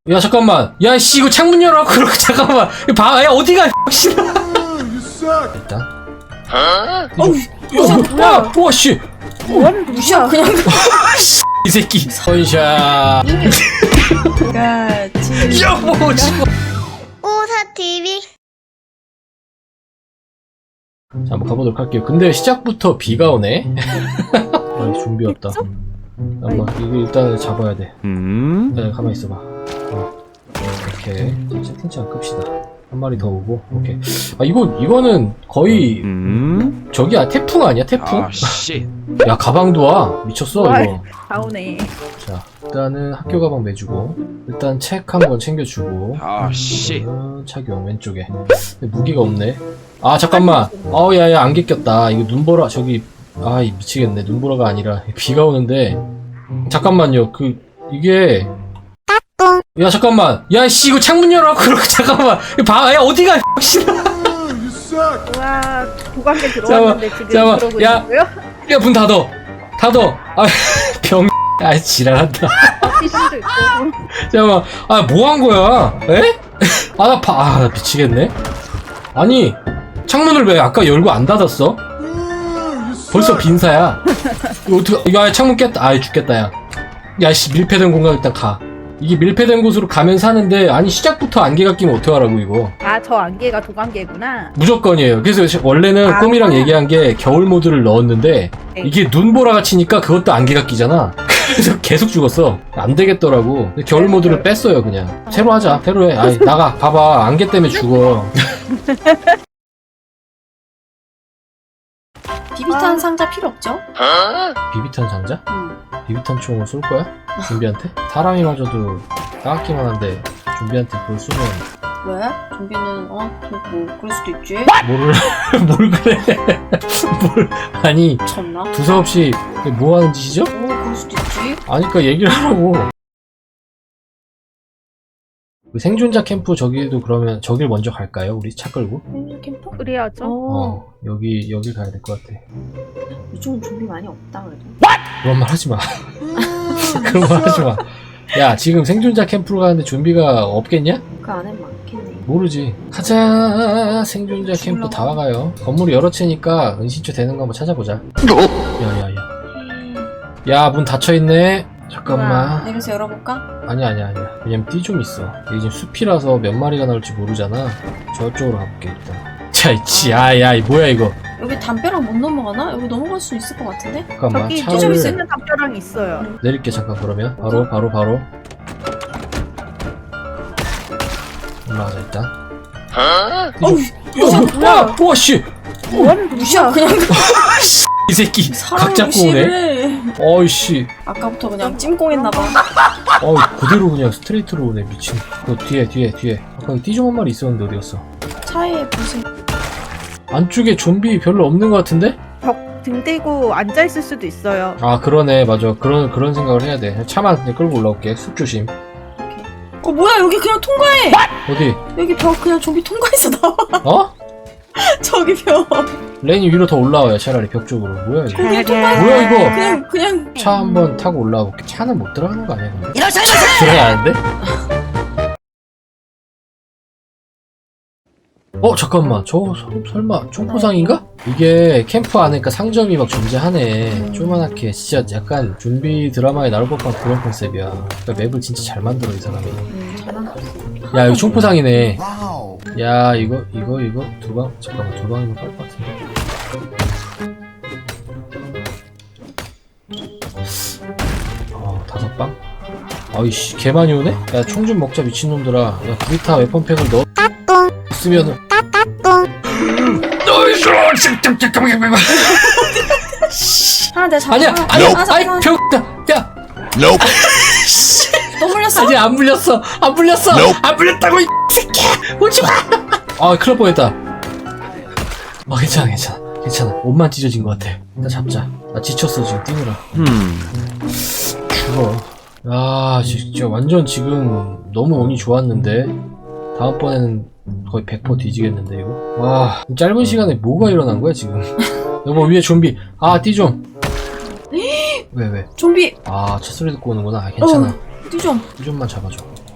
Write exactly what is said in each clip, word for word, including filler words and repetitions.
야 잠깐만 야씨 이거 창문 열어 그러고 잠깐만 봐 야 어디가 씨발 일단 어우 야 와씨 뭐하는 누구야 그냥 이 새끼 선샤 같이 여보 지금 오사티비 자 한번 가보도록 할게요. 근데 시작부터 비가 오네. 아, 준비 없다. 잠깐만 이거 일단 잡아야 돼. 음? 네 가만히 있어봐. 어. 오케이 자, 채팅창 끕시다. 한 마리 더 오고 오케이. 아 이거 이거는 거의 음? 저기야 태풍 아니야 태풍? 아, 씨. 야 가방도 와 미쳤어 와. 이거. 나오네. 자 일단은 학교 가방 매주고 일단 책 한번 챙겨주고 아, 씨. 어, 착용 왼쪽에 근데 무기가 없네. 아 잠깐만 어우 야야 안개 꼈다. 이거 눈보라 저기 아 미치겠네. 눈보라가 아니라 비가 오는데 잠깐만요. 그 이게 야 잠깐만 야씨 이거 창문 열어 그러고 잠깐만 봐야 어디가 씨발 와 도관계 들어왔는데 지금 잠깐만, 그러고 야. 있고요. 야 문 닫어 닫어 아병 아 지랄한다. 티슈도 있고. 잠깐만 아 뭐 한 거야 에? 아 나 봐 아 나 미치겠네. 아니 창문을 왜 아까 열고 안 닫았어? 벌써 빈사야. 이거 어떻게 야 창문 깼다. 아 죽겠다 야. 야씨 밀폐된 공간 일단 가. 이게 밀폐된 곳으로 가면 사는데 아니 시작부터 안개가 끼면 어떡하라고 이거. 아 저 안개가 도관계구나. 무조건이에요. 그래서 원래는 아. 꿈이랑 얘기한 게 겨울 모드를 넣었는데 네. 이게 눈보라가 치니까 그것도 안개가 끼잖아. 그래서 계속 죽었어. 안 되겠더라고. 근데 겨울 모드를 뺐어요 그냥. 새로 하자. 새로 해. 아이 나가. 봐봐 안개 때문에 죽어. 비비탄 상자 필요 없죠? 비비탄 상자? 응. 비비탄 총을 쏠 거야? 준비한테? 사람이 맞아도 따갑기만 한데 준비한테 그걸 쏘면 왜? 좀비는 어? 뭐 그럴 수도 있지. 뭐를 뭘 그래? 뭘 아니 쳤나? 두서없이 뭐 하는 짓이죠? 오 그럴 수도 있지. 아니까 얘기를 하라고. 그 생존자 캠프 저기도 그러면 저길 먼저 갈까요? 우리 차 끌고? 생존 캠프? 그래야죠. 어. 어 여기 여길 가야 될 것 같아. 이쪽은 좀비 많이 없다 그래도. 그런 말 하지 마. 그런 말 하지 마. 야 지금 생존자 캠프로 가는데 좀비가 없겠냐? 그 안에 많겠네. 모르지. 가자. 생존자 캠프 다 와가요. 건물이 여러 채니까 은신처 되는 거 한번 찾아보자. 야야야. 야 문 닫혀있네. 잠깐만. 내려서 열어볼까? 아니야 아니야 아니야. 왜냐면 띠 좀 있어. 이게 지금 숲이라서 몇 마리가 나올지 모르잖아. 저쪽으로 가볼게 일단. 자 있지. 아야 이 뭐야 이거. 여기 담벼락 못 넘어가나? 여기 넘어갈 수 있을 것 같은데? 잠깐만 저기 차를 좀 있는 담벼락이 있어요. 내릴게 잠깐. 그러면 바로 바로 바로 올라가자 일단. 어우 야 뭐야 와씨 뭐하는 누구야 그냥 이 새끼 각 사람을 잡고 오네. 무시해. 어이씨 아까부터 그냥 찜꽁했나봐. 어 그대로 그냥 스트레이트로 오네. 미친. 그 뒤에 뒤에 뒤에 아까 띠좀 한 마리 있었는데 어디 갔어? 차에 무슨 안쪽에 좀비 별로 없는 것 같은데? 벽 등 대고 앉아 있을 수도 있어요. 아 그러네 맞아. 그런 그런 생각을 해야 돼. 차만 그냥 끌고 올라올게. 숲 조심. 어 뭐야 여기 그냥 통과해. 어디? 여기 벽 그냥 좀비 통과해서 나와. 어? 저기 벽 레인이 위로 더 올라와요. 차라리 벽 쪽으로. 뭐야 이거? 거기 통과해. 뭐야 이거? 그냥 그냥 차 한번 타고 올라와 볼게. 차는 못 들어가는 거 아니야 근데? 들어가는데? 어 잠깐만 저 서- 설마 총포상인가? 이게 캠프 안에니까 상점이 막 존재하네. 조그만하게 진짜 약간 좀비 드라마에 나올 법한 그런 컨셉이야. 그러니까 맵을 진짜 잘 만들어 이 사람이. 음, 잘한다. 야 이거 총포상이네. 야 이거 이거 이거 두 방? 잠깐만 두 방이면 깔 것 같은데. 어 다섯 방? 아이씨 개 많이 오네? 야 총 좀 먹자 미친놈들아. 야 브리타 웨펀팩을 넣어 쓰면은 하나 내가 잡아. 아니야 하나, 아니야 하나 잡아. 아이 병다 야 너 물렸어? 아직 안 물렸어 안 물렸어 안 물렸다고 이 새끼야 오지마. 아 큰일 날 뻔했다. 아 괜찮아 괜찮아 괜찮아. 옷만 찢어진 것 같아. 일단 잡자. 나 지쳤어 지금 뛰느라. 음. 죽어. 야 진짜 완전 지금 너무 운이 좋았는데 다음번에는 거의 백 퍼센트 뒤지겠는데 이거. 와 짧은 시간에 뭐가 일어난 거야 지금. 여보 위에 좀비. 아 띠 좀. 왜 왜? 좀비. 아 첫 소리 듣고 오는구나. 아, 괜찮아. 띠 좀. 띠 좀만 잡아줘.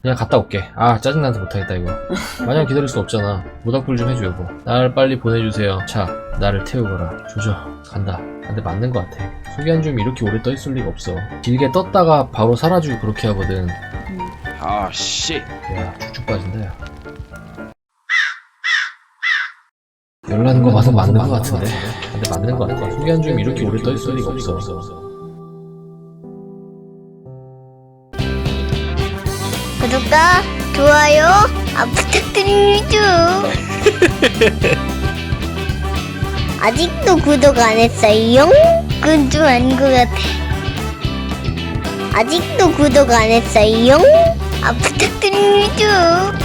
그냥 갔다 올게. 아 짜증나서 못하겠다 이거. 마냥 기다릴 수 없잖아. 모닥불 좀 해줘 여보. 날 빨리 보내주세요. 차 나를 태우거라. 조져 간다. 근데 맞는 것 같아. 소개한 줌이 이렇게 오래 떠있을 리가 없어. 길게 떴다가 바로 사라지고 그렇게 하거든. Oh shit. 야 쭉쭉 빠진다 야. 열나는 거 봐서 맞는 거 같은데. 근데 맞는 거 같아. 소개한 줌이 이렇게 오래 떠있을 리가 없어. 구독과 좋아요 아, 부탁드립니다. 아직도 구독 안 했어요? 그건 좀 아닌 것 같아. 아직도 구독 안 했어요? 아, 부탁드립니다.